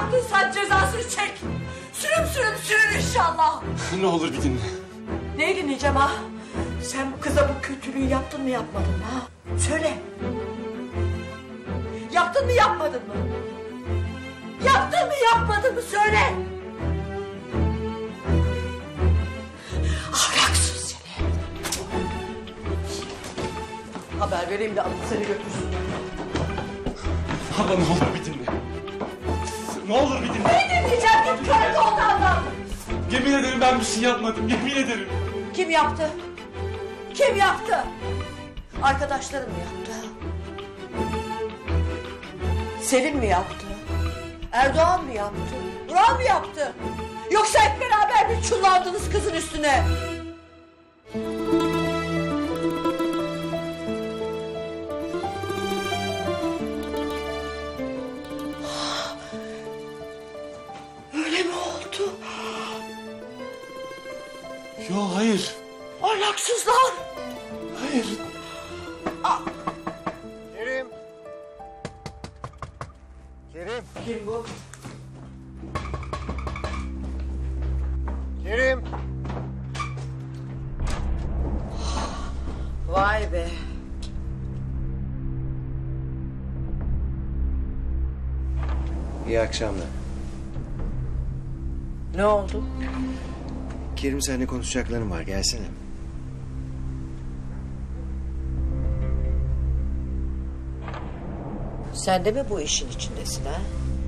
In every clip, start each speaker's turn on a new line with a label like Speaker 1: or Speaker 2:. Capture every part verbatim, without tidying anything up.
Speaker 1: yaptıysan cezasını çek. Sürüm sürüm sürün inşallah.
Speaker 2: Ne olur bir dinle.
Speaker 1: Neyi dinleyeceğim ha? Sen bu kıza bu kötülüğü yaptın mı yapmadın mı ha? Söyle. Yaptın mı yapmadın mı? Yaptın mı yapmadın mı söyle. Ahlaksız seni. Haber vereyim de alıp seni götürsün.
Speaker 2: Abla ne olur bir dinle. Ne olur bir dinle.
Speaker 1: Ne dinleyeceğim git kör koltandan.
Speaker 2: Yemin ederim ben bir şey yapmadım. Yemin ederim.
Speaker 1: Kim yaptı? Kim yaptı? Arkadaşların mı yaptı? Selim mi yaptı? Erdoğan mı yaptı? Vural mı yaptı? Yoksa hep beraber mi çullandınız kızın üstüne? Öyle mi oldu?
Speaker 2: Yo hayır.
Speaker 1: Ahlaksızlar!
Speaker 2: Hayır.
Speaker 3: Kerim. Kerim.
Speaker 1: Kim bu?
Speaker 3: Kerim.
Speaker 1: Vay be!
Speaker 3: İyi akşamlar.
Speaker 1: Ne oldu?
Speaker 3: Kerim seninle konuşacaklarım var. Gelsene.
Speaker 1: Sen de mi bu işin içindesin ha?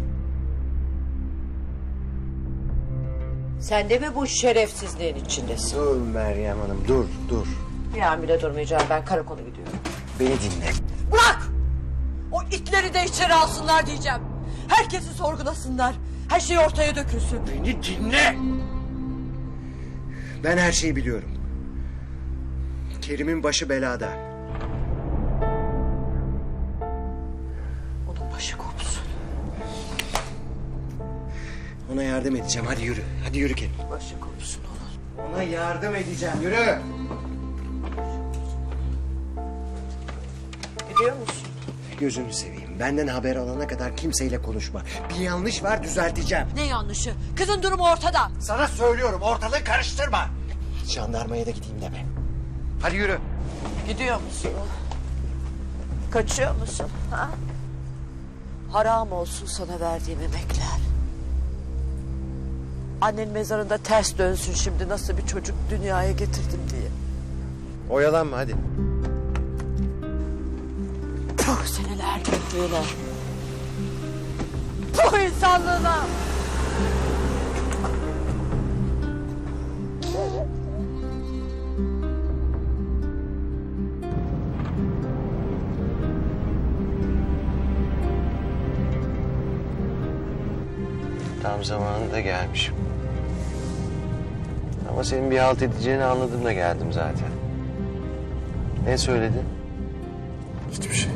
Speaker 1: Sen de mi bu şerefsizliğin içindesin?
Speaker 3: Dur Meryem Hanım dur dur.
Speaker 1: Bir an bile durmayacağım, ben karakola gidiyorum.
Speaker 3: Beni dinle.
Speaker 1: Bırak! O itleri de içeri alsınlar diyeceğim. Herkesi sorgulasınlar. Her şey ortaya dökülsün.
Speaker 3: Beni dinle. Ben her şeyi biliyorum. Kerim'in başı belada.
Speaker 1: Onun başı kopsun.
Speaker 3: Ona yardım edeceğim. Hadi yürü. Hadi yürü Kerim.
Speaker 1: Başı kopsun onun.
Speaker 3: Ona yardım edeceğim. Yürü.
Speaker 1: Gidiyor musun?
Speaker 3: Gözünü seveyim. Benden haber alana kadar kimseyle konuşma. Bir yanlış var düzelteceğim.
Speaker 1: Ne yanlışı? Kızın durumu ortada.
Speaker 3: Sana söylüyorum ortalığı karıştırma. Jandarmaya da gideyim deme. Hadi yürü.
Speaker 1: Gidiyor musun? Kaçıyor musun? Ha? Haram olsun sana verdiğim emekler. Annen mezarında ters dönsün şimdi nasıl bir çocuk dünyaya getirdim diye.
Speaker 3: Oyalanma hadi.
Speaker 1: Puh seneler erkekliğine. Puh insanlığına.
Speaker 4: Tam zamanında gelmişim. Ama senin bir halt edeceğini anladım da geldim zaten. Ne söyledin?
Speaker 2: Hiçbir şey.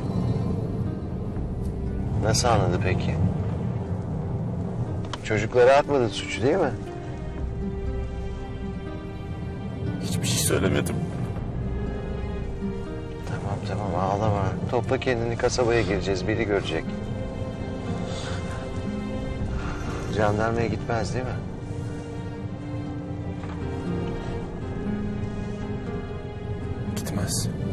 Speaker 4: Nasıl anladı peki? Çocuklara atmadın suçu değil mi?
Speaker 2: Hiçbir şey söylemedim.
Speaker 4: Tamam tamam ağlama. Topla kendini, kasabaya gireceğiz. Biri görecek. Jandarmaya gitmez değil mi?
Speaker 2: Gitmez.